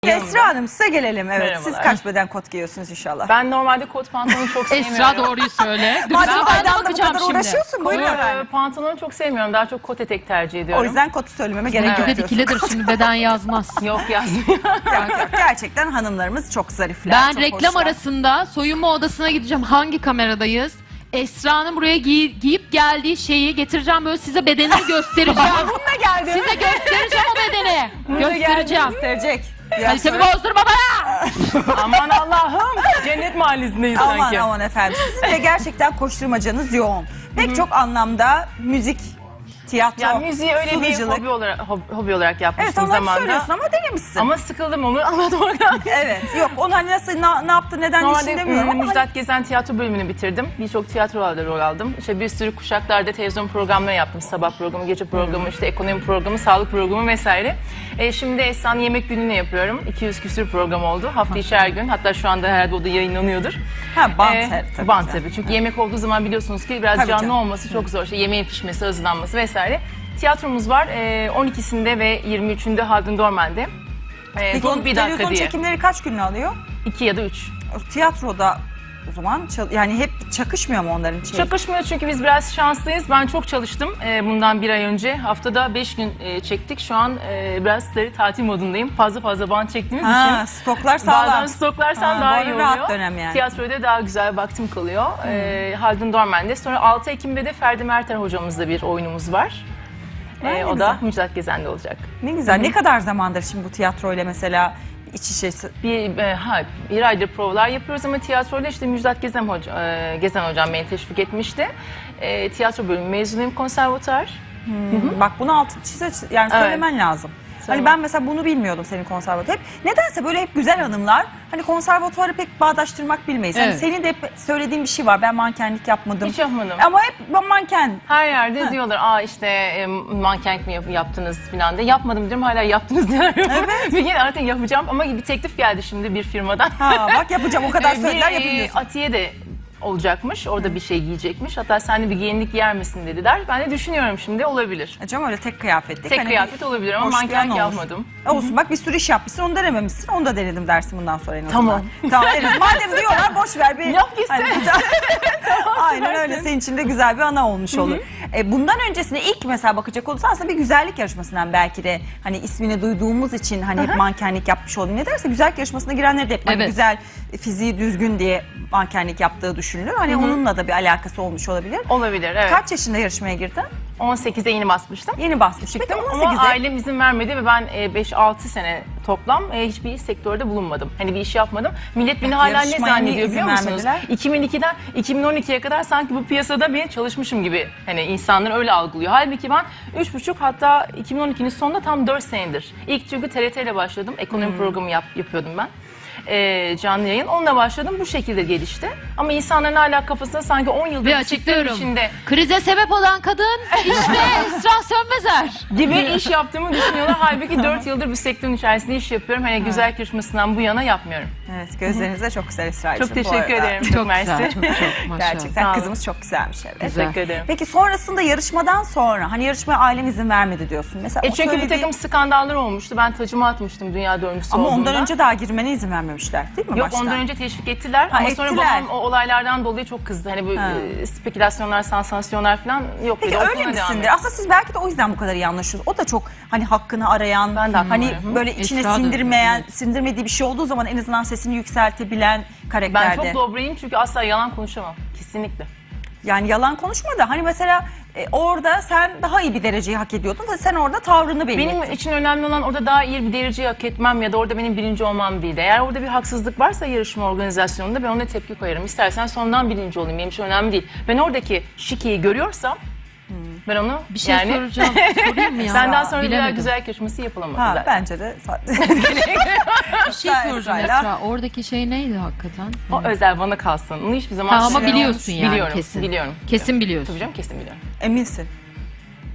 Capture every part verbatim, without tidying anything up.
Esra Hanım, size gelelim. Evet, Merhabalar. siz kaç beden kot giyiyorsunuz inşallah? Ben normalde kot pantolonu çok sevmiyorum. Esra doğruyu söyle. Dur, Madem ben de Aydan'la bu bakacağım kadar şimdi. uğraşıyorsun, buyurun Ee, efendim. Pantolonu çok sevmiyorum. Daha çok kot etek tercih ediyorum. O yüzden kotu söylememe gerek yok Dikili diyorsun. dikilidir şimdi beden yazmaz. Yok yazmıyor. Yok, yok. Gerçekten hanımlarımız çok zarifler. Ben çok reklam hoşlar. arasında soyunma odasına gideceğim. Hangi kameradayız? Esra'nın buraya giy- giyip geldiği şeyi getireceğim, böyle size bedenini göstereceğim. Bununla geldim. Size göstereceğim o bedeni. Bununla Göstereceğim. Gösterecek. Biraz Kalitemi sonra- bozdurma bana. Aman Allah'ım. Cennet mahallesindeyiz Aman sanki. aman efendim. Sizin de gerçekten koşturmacanız yoğun. Pek çok anlamda müzik, tiyatro, Ya müziği öyle bir sunuculuk. hobi olarak, hobi, hobi olarak Evet, yapmıştım ama hep zamanında. söylüyorsun ama denemişsin. Ama sıkıldım onu anlatmaktan. Evet, yok onu hani nasıl, ne, ne yaptı, neden Normalde işin demiyorum ama. Müjdat Gezen tiyatro bölümünü bitirdim. Birçok tiyatrolarda rol aldım. İşte bir sürü kuşaklarda televizyon programları yaptım. Sabah programı, gece programı, işte ekonomi programı, sağlık programı vesaire. E, şimdi Esra'nın yemek gününü yapıyorum. iki yüz küsür program oldu. Hafta içi her gün. Hatta şu anda herhalde o da yayınlanıyordur. Ha, bant Ee, tabii. Bant güzel. tabii. Çünkü yemek olduğu zaman biliyorsunuz ki biraz Tabii canlı canım. olması çok zor. İşte yemeğin pişmesi, hazırlanması vesaire. Tiyatromuz var. E, on ikisinde ve yirmi üçünde Haldun Dormen'de. E, Peki Dolu onun bir dakika televizyon diye. çekimleri kaç gününü alıyor? iki ya da üç. Tiyatroda o zaman çal- yani hep çakışmıyor mu onların şeyi? Çakışmıyor çünkü biz biraz şanslıyız. Ben çok çalıştım e, bundan bir ay önce. Haftada beş gün e, çektik. Şu an e, biraz da tatil modundayım. Fazla fazla bant çektiğimiz Ha, için. stoklar sağlam. Bazen stoklarsam Ha, daha bu iyi arada oluyor. rahat dönem yani. Tiyatroda daha güzel vaktim kalıyor. E, Haldun Dormen'de. Sonra altı Ekim'de de Ferdi Merter hocamızla bir oyunumuz var. Ha, E, ne o güzel. da Müjdat Gezen'de olacak. Ne güzel. Ne kadar zamandır şimdi bu tiyatroyla mesela iç içesi? Bir, e, ha, bir aydır provalar yapıyoruz ama tiyatroyla işte Müjdat Gezen, hoca, e, Gezen hocam beni teşvik etmişti. E, tiyatro bölümü mezunuyum, konservatuar. Bak bunu altı çize yani Evet. söylemen lazım. Hani Söyle. ben mesela bunu bilmiyordum senin konservatuar. Hep nedense böyle hep güzel hanımlar hani konservatuarı pek bağdaştırmak bilmeyiz. Hani Evet. senin de hep söylediğin bir şey var. Ben mankenlik yapmadım. Hiç yapmadım. Ama hep ben manken. Her yerde diyorlar, aa işte e, mankenlik mi yap- yaptınız falan diye. Yapmadım diyorum, hala yaptınız diyorlar. Evet. Bir gün artık yapacağım ama bir teklif geldi şimdi bir firmadan. Ha bak yapacağım o kadar E, söylediler bir, e, yapamıyorsun. Atiye de olacakmış, orada bir şey giyecekmiş. Hatta sen de bir gelinlik giyer misin dediler. Ben de düşünüyorum şimdi, olabilir. Hocam öyle tek kıyafetlik. Tek hani kıyafet olabilir ama hoş duyan mankenlik olur. yapmadım. Olsun bak bir sürü iş yapmışsın onu denememişsin onu da denedim dersin bundan sonra en azından. Tamam. Tamam evet. Madem diyorlar boş ver bir. Yap gitsin. Hani, aynen öyle senin için de güzel bir ana olmuş olur. E, bundan öncesine ilk mesela bakacak olursa aslında bir güzellik yarışmasından belki de hani ismini duyduğumuz için hani hep mankenlik yapmış oldum. Ne derse güzellik yarışmasına girenler de hep hani Evet. güzel fiziği düzgün diye mankenlik yaptığı düşünülür. Hani onunla da bir alakası olmuş olabilir. Olabilir, evet. Kaç yaşında yarışmaya girdin? on sekize yeni basmıştım. Yeni basmış. Çıktım Peki ama on sekize ailem izin vermedi ve ben e, beş altı sene toplam e, hiçbir sektörde bulunmadım. Hani bir iş yapmadım. Millet beni hala ne Yarışmaya niye zannediyor izin biliyor musunuz? vermediler? iki bin ikiden iki bin on ikiye kadar sanki bu piyasada bir çalışmışım gibi hani insanlar öyle algılıyor. Halbuki ben üç buçuk hatta iki bin on ikinin sonunda tam dört senedir. İlk çünkü T R T ile başladım. Ekonomi programı yap, yapıyordum ben. E, canlı yayın. Onunla başladım. Bu şekilde gelişti. Ama insanların hala kafasında sanki on yıldır Bir bu sektörün açıklıyorum. içinde Krize sebep olan kadın işte Esra Sönmezer. gibi iş yaptığımı düşünüyorlar. Halbuki dört yıldır bu sektörün içerisinde iş yapıyorum. Hani güzel yarışmasından bu yana yapmıyorum. Evet gözleriniz de çok güzel Esra'cığım. Çok bu teşekkür arada. ederim. Çok, Çok mersi. güzel, çok çok maşallah. Sağ Gerçekten olun. kızımız çok güzelmiş evet. Güzel. Teşekkür ederim. Peki sonrasında yarışmadan sonra hani yarışmaya ailen izin vermedi diyorsun. Mesela E o çünkü bir söylediği- takım skandallar olmuştu. Ben tacımı atmıştım dünya dördüncüsü ama olduğumda. ondan önce daha girmene izin vermemişler değil mi Yok baştan? ondan önce teşvik ettiler Ha, ama sonra ettiler. babam o olaylardan dolayı çok kızdı. Hani bu Ha. e, spekülasyonlar, sansasyonlar falan yok. Peki dedi. öyle Okuluna devam misindir? et. Aslında siz belki de o yüzden bu kadar iyi anlaşıyorsunuz. O da çok hani hakkını arayan, Ben de hakkımı hani arıyorum. böyle içine Esra da öyle, sindirmeyen, evet. sindirmediği bir şey olduğu zaman en azından sesini yükseltebilen Ben karakterde. çok dobrayım çünkü asla yalan konuşamam. Kesinlikle. Yani yalan konuşma da hani mesela e, orada sen daha iyi bir dereceyi hak ediyordun ve sen orada tavrını belli Benim ettin. için önemli olan orada daha iyi bir dereceyi hak etmem ya da orada benim birinci olmam değil. Eğer orada bir haksızlık varsa yarışma organizasyonunda ben ona tepki koyarım. İstersen sondan birinci olayım, benim için önemli değil. Ben oradaki şikeyi görüyorsam ben onu Bir şey yani soracağım. Sorayım mı ya? senden sonra bir daha Bilemedim. güzel yarışması yapılamadı Ha, zaten. bence de. Bir şey Esra- soracağım Esra'yla- Esra. Oradaki şey neydi hakikaten? O özel bana kalsın. Onu hiçbir zaman Ha, ama şey- biliyorsun yani biliyorum, kesin. Biliyorum. Kesin biliyorsun. Tabii canım kesin biliyorum. Eminsin.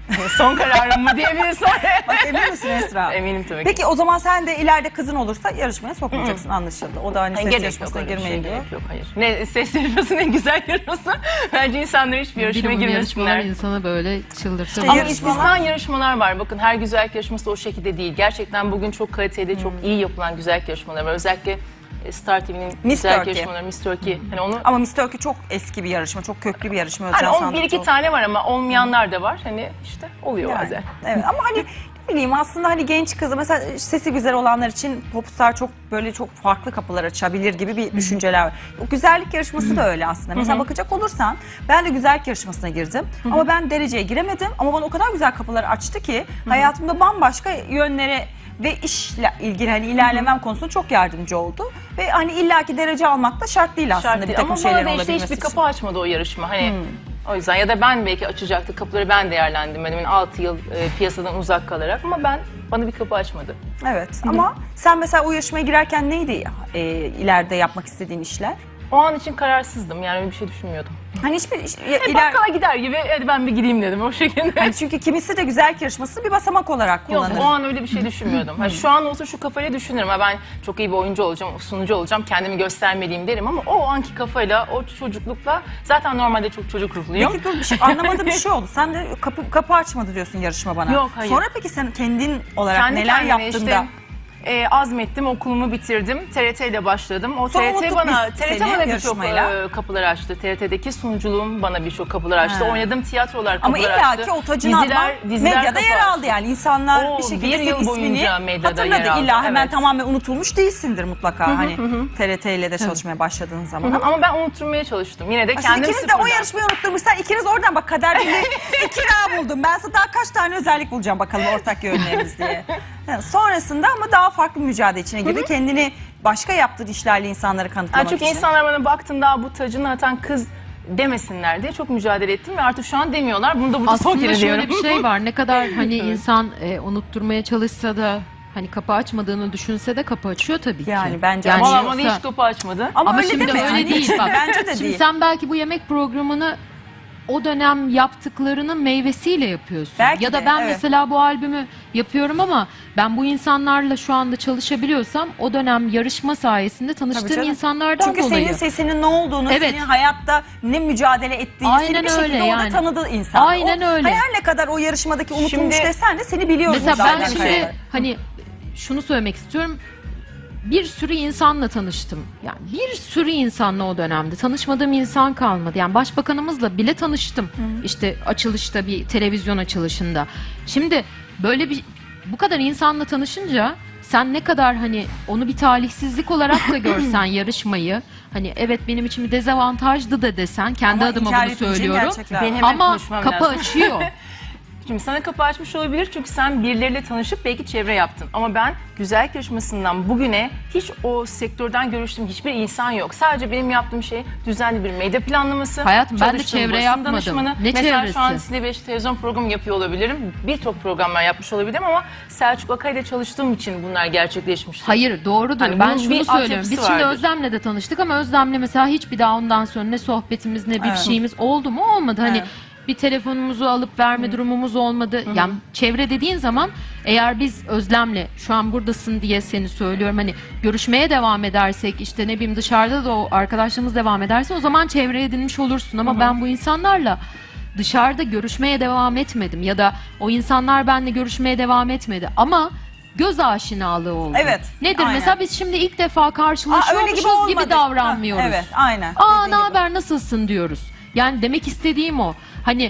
Son kararım mı diyebilirsin. Bak emin misin Esra? Eminim tabii ki. Peki o zaman sen de ileride kızın olursa yarışmaya sokmayacaksın anlaşıldı. O da hani ses Gerek yok, yarışmasına öyle bir girmeyi şey diyor. gerek yok, hayır. Ne ses yarışması ne güzel yarışması. Bence insanlar hiçbir yarışmaya Bilim yarışmalar girmesinler. insanı böyle çıldırtır. İşte Ama yarışmalar- istisna yarışmalar var. Bakın her güzellik yarışması da o şekilde değil. Gerçekten bugün çok kaliteli, çok iyi yapılan güzellik yarışmaları var. Özellikle e, Star T V'nin güzellik Turkey. yarışmaları, Miss Turkey. Hani onu Ama Miss Turkey çok eski bir yarışma, çok köklü bir yarışma. hani Özcan on, bir Sandıkçı iki oldu. tane var ama olmayanlar da var. Hani işte oluyor Yani, bazen. evet ama hani ne bileyim aslında hani genç kızı mesela sesi güzel olanlar için popstar çok böyle çok farklı kapılar açabilir gibi bir düşünceler var. O güzellik yarışması da öyle aslında. Mesela bakacak olursan ben de güzellik yarışmasına girdim ama ben dereceye giremedim ama bana o kadar güzel kapıları açtı ki hayatımda bambaşka yönlere ve işle ilgili hani ilerlemem konusunda çok yardımcı oldu. Ve hani illaki derece almak da şart değil aslında Şart bir değil. takım Ama bana şeylerin da işte olabilmesi hiçbir için. kapı açmadı o yarışma. Hani o yüzden ya da ben belki açacaktı kapıları ben değerlendirmedim. Yani altı yıl e, piyasadan uzak kalarak ama ben bana bir kapı açmadı. Evet ama sen mesela o yarışmaya girerken neydi e, ileride yapmak istediğin işler? O an için kararsızdım. Yani öyle bir şey düşünmüyordum. Hani hiçbir iş- E, iler... bakkala gider gibi hadi ben bir gideyim dedim o şekilde. Hani çünkü kimisi de güzellik yarışmasını bir basamak olarak Yok kullanır. o an öyle bir şey düşünmüyordum. Ha, şu an olsa şu kafayla düşünürüm. Ha, ben çok iyi bir oyuncu olacağım, sunucu olacağım, kendimi göstermeliyim derim ama o anki kafayla, o çocuklukla zaten normalde çok çocuk ruhluyum. Peki dur bir şey anlamadığım bir şey oldu. Sen de kapı kapı açmadı diyorsun yarışma bana. Yok, hayır. Sonra peki sen kendin olarak Kendi neler kendime yaptın işte, da? e, azmettim, okulumu bitirdim. T R T ile başladım. O Sonra T R T unuttuk bana, biz T R T seni bana birçok yarışmayla. e, kapılar açtı. T R T'deki sunuculuğum bana birçok kapılar açtı. Ha. Oynadığım tiyatrolar Ama kapılar açtı. illaki o tacını alman medyada yer kapı aldı yani. İnsanlar Oo, bir şekilde bir senin yıl ismini boyunca medyada yer hatırladı. aldı, İlla hemen evet. tamamen unutulmuş değilsindir mutlaka. Hani T R T ile de çalışmaya başladığın zaman. Hı hı, ama ben unutturmaya çalıştım. Yine de Siz kendimi ikiniz de o sıfırdan. yarışmayı unutturmuşlar. İkiniz oradan bak kader bile iki A buldum. Ben sana daha kaç tane özellik bulacağım bakalım ortak yönlerimiz diye. Yani sonrasında ama daha farklı bir mücadele içine girdi. Kendini başka yaptığı işlerle insanlara kanıtlamak Yani çünkü için. insanlar bana baktığında bu tacını atan kız demesinler diye çok mücadele ettim ve artık şu an demiyorlar. Bunu da burada son Aslında kere diyorum. şöyle bir şey var. Ne kadar hani insan e, unutturmaya çalışsa da hani kapı açmadığını düşünse de kapı açıyor tabii ki. Yani bence yani Valla yoksa- bana hiç kapı açmadı. Ama, Ama öyle şimdi deme öyle yani. değil bak. Bence de Şimdi değil. sen belki bu yemek programını o dönem yaptıklarının meyvesiyle yapıyorsun. Belki ya da de, ben evet. mesela bu albümü yapıyorum ama ben bu insanlarla şu anda çalışabiliyorsam o dönem yarışma sayesinde Tabii tanıştığım canım. insanlardan Çünkü dolayı. senin sesinin ne olduğunu, Evet. senin hayatta ne mücadele ettiğini Aynen seni bir şekilde öyle orada yani. tanıdığı insan. Aynen o, öyle. Her ne kadar o yarışmadaki unutulmuş Şimdi- desen de seni biliyoruz. Mesela ben zaten şimdi kayıtlar. hani şunu söylemek istiyorum. Bir sürü insanla tanıştım. Yani bir sürü insanla o dönemde tanışmadığım insan kalmadı. Yani başbakanımızla bile tanıştım. İşte açılışta bir televizyon açılışında. Şimdi böyle bir bu kadar insanla tanışınca sen ne kadar hani onu bir talihsizlik olarak da görsen yarışmayı hani evet benim için bir dezavantajdı da desen kendi Ama adıma inkar bunu etmeyeceğin söylüyorum. gerçekler var. Benim hemen Ama konuşmam kapı lazım. açıyor. Şimdi sana kapı açmış olabilir çünkü sen birileriyle tanışıp belki çevre yaptın. Ama ben güzellik yarışmasından bugüne hiç o sektörden görüştüğüm hiçbir insan yok. Sadece benim yaptığım şey düzenli bir medya planlaması. Hayatım, ben de çalıştığım çevre basın yapmadım. danışmanı. Ne Mesela şu an çevresi? size bir televizyon programı yapıyor olabilirim. Birçok programlar yapmış olabilirim ama Selçuk Akay'la çalıştığım için bunlar gerçekleşmişti. Hayır doğrudur. Hani ben bunun şunu bir söylüyorum. altyapısı Biz şimdi vardır. Özlem'le de tanıştık ama Özlem'le mesela hiçbir daha ondan sonra ne sohbetimiz ne bir Evet. şeyimiz oldu mu olmadı. Hani Evet. bir telefonumuzu alıp verme durumumuz olmadı. Yani çevre dediğin zaman eğer biz Özlem'le şu an buradasın diye seni söylüyorum hani görüşmeye devam edersek işte ne bileyim dışarıda da o arkadaşlarımız devam ederse o zaman çevre edinmiş olursun ama ben bu insanlarla dışarıda görüşmeye devam etmedim ya da o insanlar benimle görüşmeye devam etmedi ama göz aşinalığı oldu. Evet, Nedir aynen. mesela biz şimdi ilk defa Aa, öyle karşılaşıyormuşuz gibi olmadı. gibi davranmıyoruz. Ha, evet aynen. Aa Dediğin ne gibi. haber nasılsın diyoruz. Yani demek istediğim o. Hani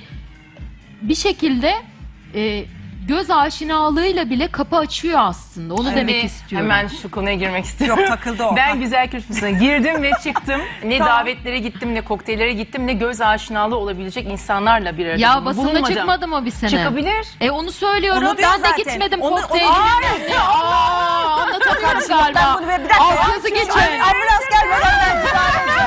bir şekilde e, göz aşinalığıyla bile kapı açıyor aslında. Onu Şimdi demek istiyorum. Hemen şu konuya girmek istiyorum. Yok, takıldı o. Ben güzel yarışmasına girdim ve çıktım. Ne Tamam. davetlere gittim, ne kokteyllere gittim, ne göz aşinalığı olabilecek insanlarla bir arada Ya basında bulunmadım. çıkmadı mı bir sene? Çıkabilir. E onu söylüyorum. Onu diyor Ben de zaten. gitmedim Onu- kokteyline. onu- Aa, anlatamıyorum galiba. Ben bunu bir dakika. Arkası geçin. Ay, ambulans gelmeden ben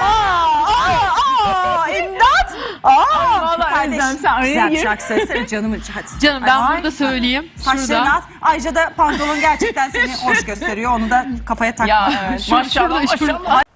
Aa, aa, aa, imdat. Aa, vallahi kardeş, Özlem, sen araya güzel bir gir. şarkı söylesene canım. Hadi. Canım ben Ay, burada söyleyeyim. Saçlarını Şurada. at. Ayrıca da pantolon gerçekten seni hoş gösteriyor. Onu da kafaya takma. Ya evet. Şurada, Maşallah şurada. maşallah.